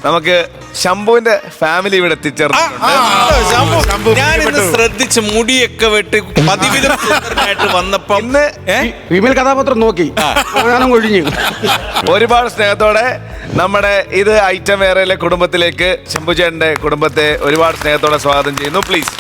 നമുക്ക് ശംഭുവിന്റെ ഫാമിലി ഇവിടെ എത്തിച്ചേർന്നിട്ടുണ്ട്. ഞാനിന്ന് ശ്രദ്ധിച്ച് മുടിയൊക്കെ വെട്ടി പതിവിധമായിട്ട് വന്നപ്പോ ഇന്ന് ഫീമെയിൽ കഥാപാത്രം നോക്കി ഞാനും ഒഴിഞ്ഞു. ഒരുപാട് സ്നേഹത്തോടെ നമ്മുടെ ഇത് ഐറ്റം വേറെയിലെ കുടുംബത്തിലേക്ക് ശംഭു ചേട്ടന്റെ കുടുംബത്തെ ഒരുപാട് സ്നേഹത്തോടെ സ്വാഗതം ചെയ്യുന്നു. പ്ലീസ്.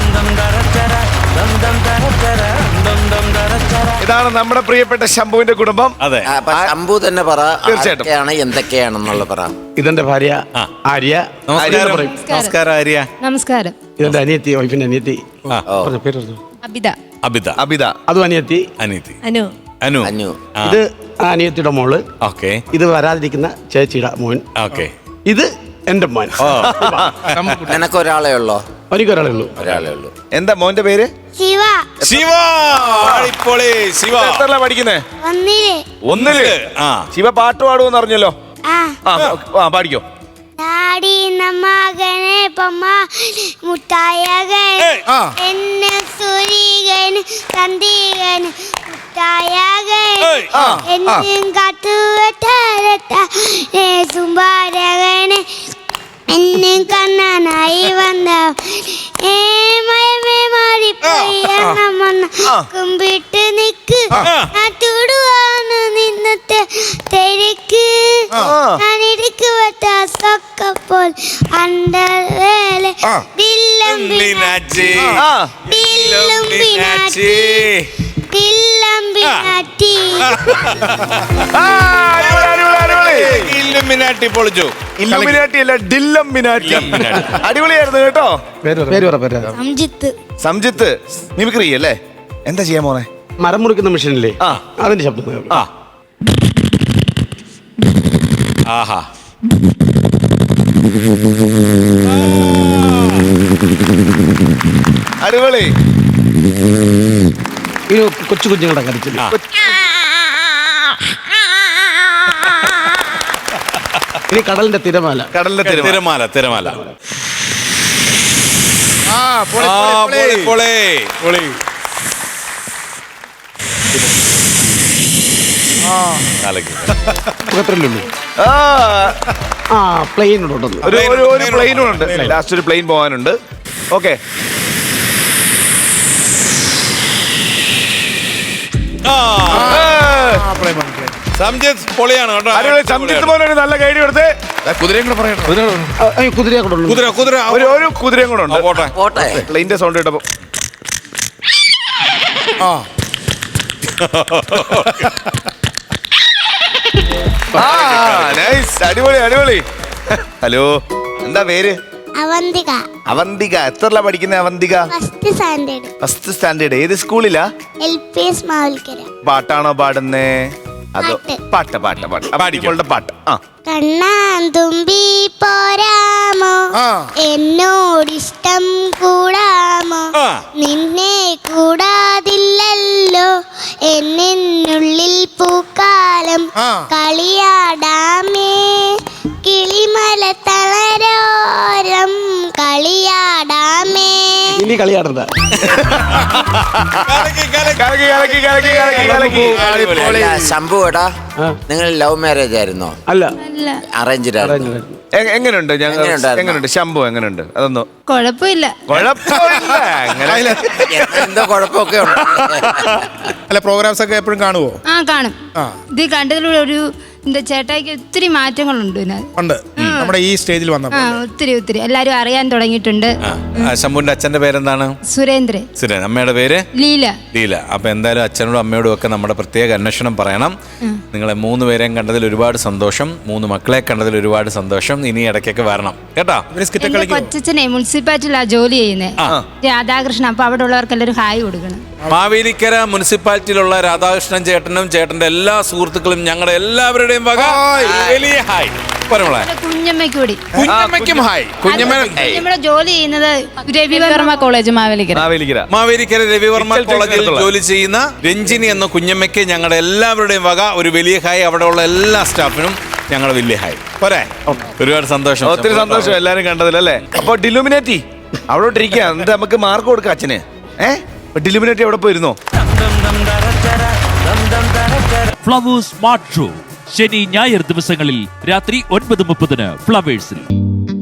ഇതാണ് നമ്മുടെ പ്രിയപ്പെട്ട ശംഭുവിന്റെ കുടുംബം. അതെ, ശംഭു തന്നെ പറ, തീർച്ചയായിട്ടും എന്തൊക്കെയാണെന്നുള്ള പറ. ഇതെന്റെ ഭാര്യ ആര്യ. നമസ്കാരം ആര്യ. നമസ്കാരം. ഇതെന്റെ അനിയത്തി, വൈഫിന്റെ അനിയത്തി. പേര് പറഞ്ഞു. അബിത. അബിത. അബിത. അതും അനിയത്തി. അനിയത്തി. അനു. അനു. അന്നു. ഇത് അനിയത്തിയുടെ മോള്. ഓക്കെ. ഇത് വരാതിരിക്കുന്ന ചേച്ചിയുടെ മോൻ. ഓക്കെ. ഇത് എന്റെ മോൻ. നിനക്കൊരാളെ ഉള്ളോ? എനിക്കൊരാളേ ഉള്ളൂ. ഒരാളെ ഉള്ളൂ. എന്താ മോന്റെ പേര്? ശിവ. ശിവ. ശിവ എത്രല്ല പഠിക്കുന്നേ? ഒന്നില്. ശിവ പാട്ട് പാടുമെന്ന് അറിഞ്ഞല്ലോ. പാടിക്കോ. ഡാഡിന്ന മകനെ പമ്മ മുട്ടായകൻ എന്നെ സൂര്യകൻ തന്തികൻ മുട്ടായകൻ എന്നും കാത്തുവെട്ട സുംബാരകനെ എന്നും കണ്ണനായി വന്ന മയമേ മാറിപ്പോയി കുമ്പിട്ട് നിക്ക് തുടുവാണ് നിന്നത്തെ തിരക്ക് ഞാനിടുക്ക് വെട്ട സൊക്കപ്പോൾ അണ്ടർവേലെ ദില്ലം ബിനാറ്റി ദില്ലം ബിനാറ്റി ദില്ലം ബിനാറ്റി. ഇല്ലുമിനാറ്റി പൊളിച്ചു. ഇല്ലുമിനാറ്റി അല്ല, ഡില്ലംമിനാറ്റി. അടിപൊളിയായിരുന്നു കേട്ടോ. സംജിത്ത്. സംജിത്ത് മിമിക്രി അല്ലേ? എന്താ ചെയ്യാൻ പോന്നെ? മരം മുറിക്കുന്ന മെഷീനില്ലേ, അതിന്റെ ശബ്ദം. ആഹാ. അടിപൊളി. ഈ കൊച്ചു കുഞ്ഞുങ്ങളുടെ കരച്ചില്ല. ഇനി കടലിന്റെ തിരമാല. കടലിന്റെ തിരമാല. തിരമാല. പ്ലെയിനുണ്ട്. ഒരു പ്ലെയിനുണ്ട്. ലാസ്റ്റ് ഒരു പ്ലെയിൻ പോകാനുണ്ട്. ഓക്കെ. സംജിത്ത് പൊളിയാണ് കേട്ടോ. സംജിത്ത് പോലെ ഒരു നല്ല ഗൈഡ് കൊടുത്ത് കുതിരയും കൂടെ പറയണം. കുതിരയെ കൊണ്ടുള്ളൂ. കുതിര ഒരു കുതിരയും കൂടെ ഉണ്ട്. പോട്ടെ. പ്ലെയിന്റെ സൗണ്ട് കേട്ടപ്പോ അടിപൊളി അടിപൊളി. ഹലോ, എന്താ പേര്? അവന്തിക. അവന്തിക. എത്രല്ല പഠിക്കുന്ന Avantika? First standard. First standard. ഏത് സ്കൂളിലാ? LPS മാവൽക്കര. പാട്ടാണോ പാടുന്നേ? അതോ പാട്ട്? പാട്ട്. കണ്ണാൻ തുമ്പി പോരാമോ, എന്നോടിഷ്ടം കൂടാമോ, നിന്നെ കൂടാതില്ലല്ലോ എന്നുള്ളിൽ പൂക്കാലം, കളിയാടാമേ കിളിമല തളരോരം കളിയാടാമേ. ഇനി കളിയാടണ്ട. ശംഭു ഏട്ടാ, നിങ്ങൾ ലവ് മാരേജ് ആയിരുന്നോ? അല്ല, അറേഞ്ച്ഡ് ആയിരുന്നു. എങ്ങനെയുണ്ട്? എങ്ങനെയുണ്ട് ശംഭു? എങ്ങനെയുണ്ട്? അതൊന്നും കുഴപ്പമില്ല. എന്തോ കുഴപ്പമൊക്കെ ഉണ്ട്. അല്ല, പ്രോഗ്രാംസ് ഒക്കെ എപ്പോഴും കാണുവോ? കാണും. ഇത് കണ്ടതിലൂടെ ഒരു ചേട്ടായിക്ക് ഒത്തിരി മാറ്റങ്ങളുണ്ട്. നമ്മുടെ ഈ സ്റ്റേജിൽ വന്നപ്പോൾ ഒത്തിരി എല്ലാരും അറിയാൻ തുടങ്ങിയിട്ടുണ്ട്. ശംഭുവിന്റെ അച്ഛന്റെ പേരെന്താണ്? സുരേന്ദ്രൻ. അമ്മയുടെ പേര് ലീല. അപ്പൊ എന്തായാലും അച്ഛനോടും അമ്മയോടും ഒക്കെ നമ്മുടെ പ്രത്യേക അന്വേഷണം പറയണം. നിങ്ങളെ 3 പേരെയും കണ്ടതിൽ ഒരുപാട് സന്തോഷം. 3 മക്കളെ കണ്ടതിൽ ഒരുപാട് സന്തോഷം. ഇനി ഇടയ്ക്കൊക്കെ വരണം കേട്ടോ. കൊച്ചച്ഛനെ മുനിസിപ്പാലിറ്റിയിലാ ജോലി ചെയ്യുന്നത്, രാധാകൃഷ്ണൻ. അപ്പൊ അവിടെ ഉള്ളവർക്കെല്ലാവരും ഹായ് കൊടുക്കണം. മാവേലിക്കര മുനിസിപ്പാലിറ്റിയിലുള്ള രാധാകൃഷ്ണൻ ചേട്ടനും ചേട്ടന്റെ എല്ലാ സുഹൃത്തുക്കളും ഞങ്ങളുടെ എല്ലാവരുടെയും വക വലിയ ഹായ്. കുഞ്ഞമ്മയ്ക്ക് കൂടി. കുഞ്ഞമ്മയ്ക്കും ഹായ്. കുഞ്ഞമ്മയുടെ ജോലി ചെയ്യുന്നത് രവിവർമ്മ കോളേജ് മാവേലിക്കര രവിവർമ്മ കോളേജിൽ ജോലി ചെയ്യുന്ന രഞ്ജിനി എന്ന കുഞ്ഞമ്മയ്ക്ക് ഞങ്ങളുടെ എല്ലാവരുടെയും വക ഒരു വലിയ ഹായ്. അവിടെ ഉള്ള എല്ലാ സ്റ്റാഫിനും ഞങ്ങളുടെ വലിയ ഹായ്. പോരെ? ഒരുപാട് സന്തോഷം. ഒത്തിരി സന്തോഷം എല്ലാരും കണ്ടതിലല്ലേ. അപ്പൊ ഡിലുമിനാറ്റി അവിടെ ഇരിക്കുക. എന്നിട്ട് നമുക്ക് മാർക്ക് കൊടുക്കാം അച്ഛന്. ഡിലുമിനാറ്റി അവിടെ പോയിരുന്നോ? ഫ്ലവേഴ്സ് സ്മാർട്ട് ഷോ ശനി ഞായർ ദിവസങ്ങളിൽ രാത്രി 9:30 ഫ്ലവേഴ്സിൽ.